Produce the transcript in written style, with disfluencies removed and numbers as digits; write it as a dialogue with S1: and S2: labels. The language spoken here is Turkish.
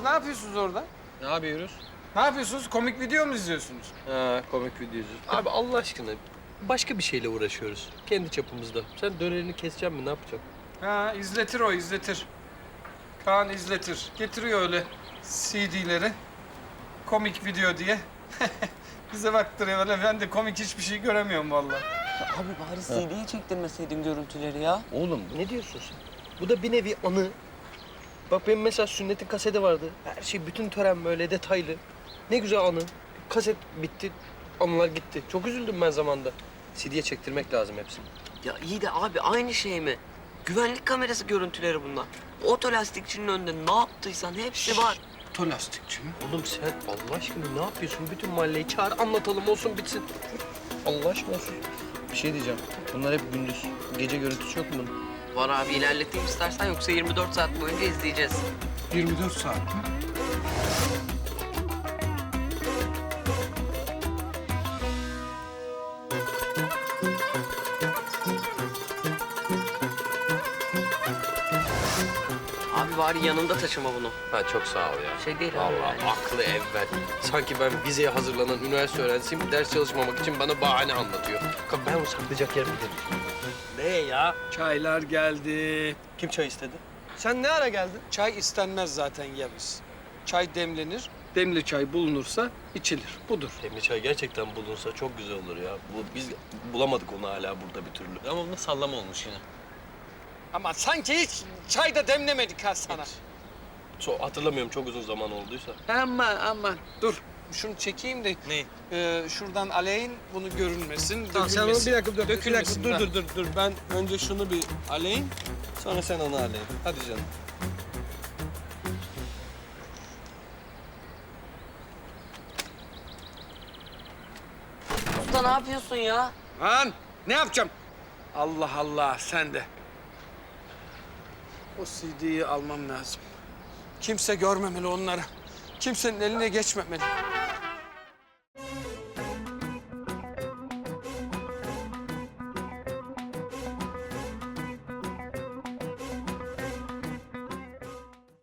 S1: yapıyorsunuz orada?
S2: Ne yapıyoruz?
S1: Ne yapıyorsunuz? Komik video mu izliyorsunuz?
S2: Ha, komik videocu. Abi Allah aşkına başka bir şeyle uğraşıyoruz. Kendi çapımızda. Sen dönerini keseceksin mi? Ne yapacaksın?
S1: Ha, izletir o, izletir. Kaan izletir. Getiriyor öyle CD'leri. Komik video diye. Bize baktırıyor öyle. Ben de komik hiçbir şey göremiyorum vallahi.
S3: Abi bari CD'ye çektirmeseydin görüntüleri ya.
S2: Oğlum ne diyorsun sen? Bu da bir nevi anı. Bak benim mesela sünnetin kaseti vardı. Her şey, bütün tören böyle detaylı. Ne güzel anı. Kaset bitti, anılar gitti. Çok üzüldüm ben zamanda. CD'ye çektirmek lazım hepsini.
S3: Ya iyi de abi aynı şey mi? Güvenlik kamerası görüntüleri bunlar. Otolastikçinin önünde ne yaptıysan hepsi var.
S1: Tolastikçi mi?
S2: Oğlum sen Allah aşkına ne yapıyorsun? Bütün mahalleyi çağır, anlatalım, olsun bitsin. Allah aşkına olsun. Bir şey diyeceğim. Bunlar hep gündüz. Gece görüntüsü yok mu bunun?
S3: Var abi ilerleteyim istersen yoksa 24 saat boyunca izleyeceğiz.
S1: 24 saat mi?
S3: Abi bari yanında taşıma bunu.
S2: Ha çok sağ ol ya.
S3: Şey değil abi.
S2: Vallahi aklı evvel. Sanki ben vizeye hazırlanan üniversite öğrencisiyim. Ders çalışmamak için bana bahane anlatıyor. Ben onu saklayacak yer bilirim. Ne ya?
S1: Çaylar geldi.
S2: Kim çay istedi? Sen ne ara geldin?
S1: Çay istenmez zaten Yavuz. Çay demlenir. Demli çay bulunursa içilir. Budur.
S2: Demli çay gerçekten bulunsa çok güzel olur ya. Biz bulamadık onu hala burada bir türlü. Ama bunda sallama olmuş yine.
S1: Ama sanki hiç çay da demlemedik ha sana.
S2: Hatırlamıyorum, çok uzun zaman olduysa.
S1: Aman. Dur. Şunu çekeyim de
S2: Neyi?
S1: şuradan aleyhin bunu görünmesin.
S2: Tamam sen onu bir dakika dur.
S1: Dökülmesin.
S2: Dur. Ben önce şunu bir aleyim. Sonra sen onu aleyim. Hadi canım.
S3: Usta ne yapıyorsun ya?
S1: Lan ne yapacağım? Allah Allah sen de. O CD'yi almam lazım. Kimse görmemeli onları. Kimsenin eline geçmemeli.